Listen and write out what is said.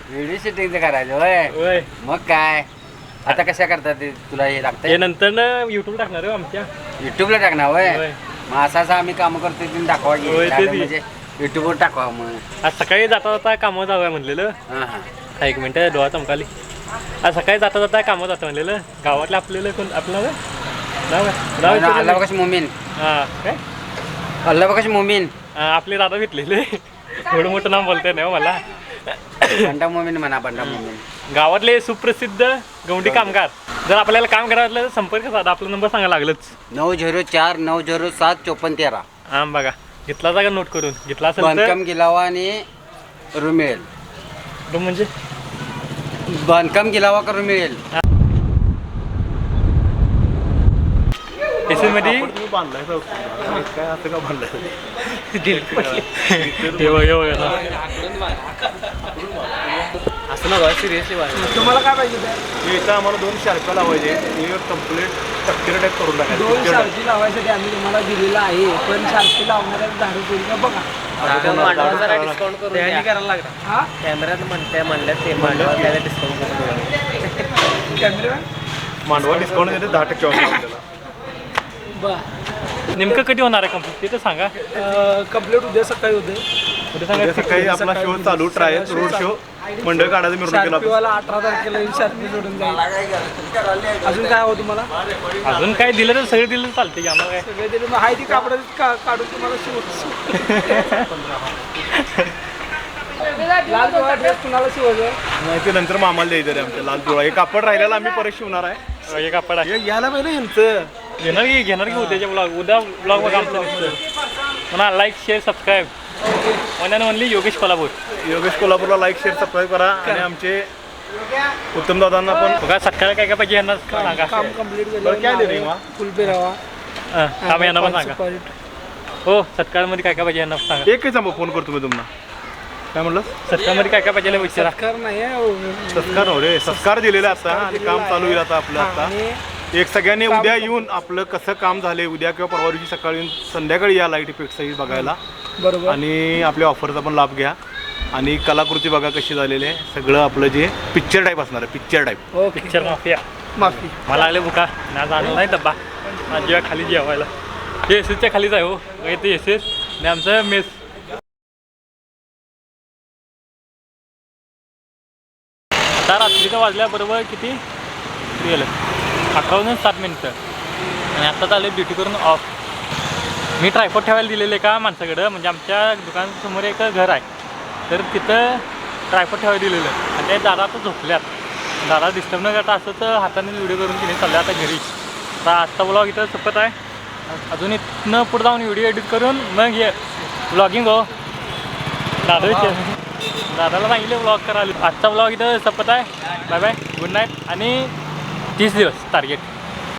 Video shooting करायचं होय. मग काय आता कशा करतात ते तुला हे लागतंय? नंतर ना युट्यूब टाकणार आहे आमच्या युट्यूबला टाकणार होय. मग असं आम्ही काम करतोय तुम्ही दाखवा म्हणजे युट्यूबवर टाकवा. मग आज सकाळी जाता जाता कामावर जाऊया म्हणलेलं. हा एक मिनिट डोळा चमकाली. आज सकाळी जाता जाता कामावर जातं म्हणलेलं. गावातलं आपल्याला कोण आपलं नाव अल्लाह बकाश मोमीन. हां काय अल्लाह बकाश मोमीन आपले दादा भेटलेले. एवढं मोठं नाव बोलतंय ना मला. बंडा मोमीन म्हणा. बंडा मोमीन गावातले सुप्रसिद्ध गवंडी कामगार. जर आपल्याला काम करायचं असलं तर संपर्क साधा. आपला नंबर सांगा लागलंच 904-907-5413. हां बघा घेतला जागा नोट करून. घेतला असेल बांधकाम गिलावा आणि रूम मिळेल. रूम म्हणजे बांधकाम गिलावा करून मिळेल. एसी मध्ये बांधलाय काय असं का बांधलाय? असं ना सिरियसली तुम्हाला काय पाहिजे? इथं आम्हाला 2 शार्पा लावायचे. कम्प्लीट स्ट्रक्चर टाईप करून 2 टाकायचे. शार्पी लावायसाठी आम्ही तुम्हाला दिलेलं आहे. पण शार्पी लावणाऱ्या 10 रुपये बघा. करायला लागला. हा कॅमेऱ्यात म्हणल्यात ते त्याला डिस्काउंट करून कॅमेरा मांडवा डिस्काउंट देते 10% ऑफ आपल्याला. बरं नेमकं कधी होणार आहे कंप्लीट ते तर सांगा. कंप्लीट उद्या सकाळी होते. उद्या सकाळी आपला शो चालू ट्रायल रोड शो मंडळ काढायचं मिरवणुकीला. शार्पीवाला 18 तारखेला शार्पी जोडून जाईल. अजून काय हवं तुम्हाला? अजून काय दिलं तर सगळं दिलं तर चालते की आम्हाला काय. सगळे दिले. मग हाय ती कापड काढून तुम्हाला लाल पिवळा ड्रेस कुणाला शिवायचं? नाही ते नंतर मामाला द्यायचं रे आमच्या लाल पिवळा. हे कापड राहिलेला आम्ही परत शिवणार आहे. एक कापड आहे यायला पाहिजे यांचं. घेणार की उद्याच्या ब्लॉग. उद्या ब्लॉग बघा आमचं म्हणा. Like share subscribe. One and only Yogesh Kolhapur. Yogesh कोल्हापूरला लाईक शेअर सबस्क्राईब करा. आणि आमचे उत्तम दादांना पण बघा सकाळी काय काय पाहिजे यांना सांगा. काम कंप्लीट बरं काय केलं. रे मा? फुल पेरावा. काम यांना पण सांगा. हो सत्कारमध्ये काय काय पाहिजे यांना सांगा. एकच फोन करतो मी तुम्हाला. काय म्हणलं? सत्कारमध्ये काय काय पाहिजे विचारा. सत्कार नाही सत्कार हो रे. सत्कार दिलेला आता आणि काम चालू होईल आता आपलं. आता एक सगळ्यांनी उद्या येऊन आपलं कसं काम झालंय उद्या किंवा परवा दिवशी सकाळी येऊन संध्याकाळी या लाईट इफेक्ट सही बघायला. बरोबर. आणि आपल्या ऑफरचा पण लाभ घ्या. आणि कलाकृती बघा कशी झालेली आहे. सगळं आपलं जे पिक्चर टाईप असणार आहे. Picture type. Picture mafia. माफी. मला लागले बुका. आज आणला नाही डब्बा. माझ्या खाली जेवायला. हे एसएसच्या खालीच आहे हो. ते एसएस आणि आमचं मेस. आता रात्रीचं वाजल्याबरोबर किती गेलं 11:07 आणि आता चालू ड्युटी करून ऑफ. मी ट्रायपॉड ठेवायला दिलेलं आहे का माणसाकडं. म्हणजे आमच्या दुकानासमोर एक घर आहे तर तिथं ट्रायपॉड ठेवायला दिलेलं आहे. आणि ते दादा आता झोपल्यात. दादा डिस्टर्ब न करता असं तर हाताने व्हिडिओ करून तिने चालले आता घरी. आता आजचा ब्लॉग इथं संपत आहे. अजून इथनं पुढे जाऊन व्हिडिओ एडिट करून मग हे ब्लॉगिंग हो. दादाला सांगितले ब्लॉग करायला. आजचा ब्लॉग इथं संपत आहे. Bye bye. Good night. आणि 30 दिवस टार्गेट.